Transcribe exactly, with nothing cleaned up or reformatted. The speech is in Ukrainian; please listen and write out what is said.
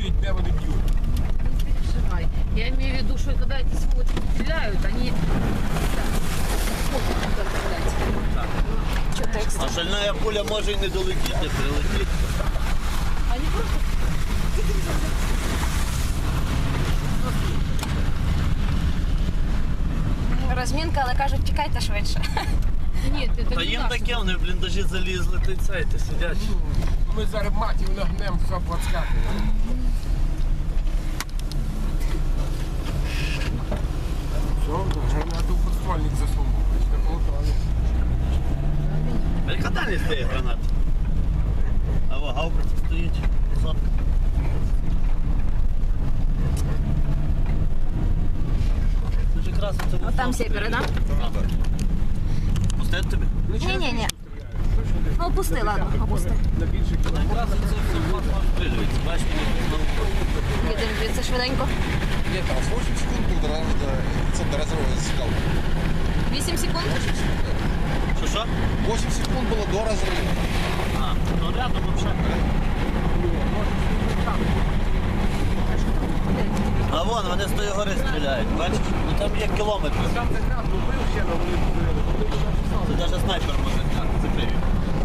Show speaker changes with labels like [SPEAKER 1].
[SPEAKER 1] розуміють, де вони б'ють.
[SPEAKER 2] Не переживай. Я имею в виду, что когда эти сволочи стреляют, они... Что так?
[SPEAKER 3] А шальна пуля може і не долетіти, не прилетіти.
[SPEAKER 2] Они просто...
[SPEAKER 4] Розмінка, але кажуть, тікайте швидше.
[SPEAKER 2] Нет, это
[SPEAKER 3] Та
[SPEAKER 2] не
[SPEAKER 3] їм
[SPEAKER 2] наш.
[SPEAKER 3] таке, вони в бліндажі залізли, ти цей, ти сидять.
[SPEAKER 1] Ми зараз матів нагнемо, все подскакує. Все, гранату в подствольник засунув. Не полутали.
[SPEAKER 3] А яка дальність цієї гранати? А во, гаубиця стоїть, сотка. Це ж якраз оце...
[SPEAKER 4] От там сєпери, так?
[SPEAKER 3] Пустити тобі?
[SPEAKER 4] Ні-ні-ні. Ну, опусти, ладно, опусти.
[SPEAKER 1] На більше кілометрів.
[SPEAKER 3] Якраз оце все стрілюється. Бачиш, мені
[SPEAKER 4] Їдемо звідси швиденько.
[SPEAKER 5] Нет, там восемь секунд был до, до, до разрыва скал.
[SPEAKER 4] вісім секунд.
[SPEAKER 3] Що, що?
[SPEAKER 5] восемь секунд было до разрыва.
[SPEAKER 3] А, ну рядом взагалі. А вон, вони з тої гори стріляють, бачиш? Ну там є кілометри.
[SPEAKER 1] Там не грав, ну бив ще, але вони
[SPEAKER 3] Це навіть снайпер може закрити.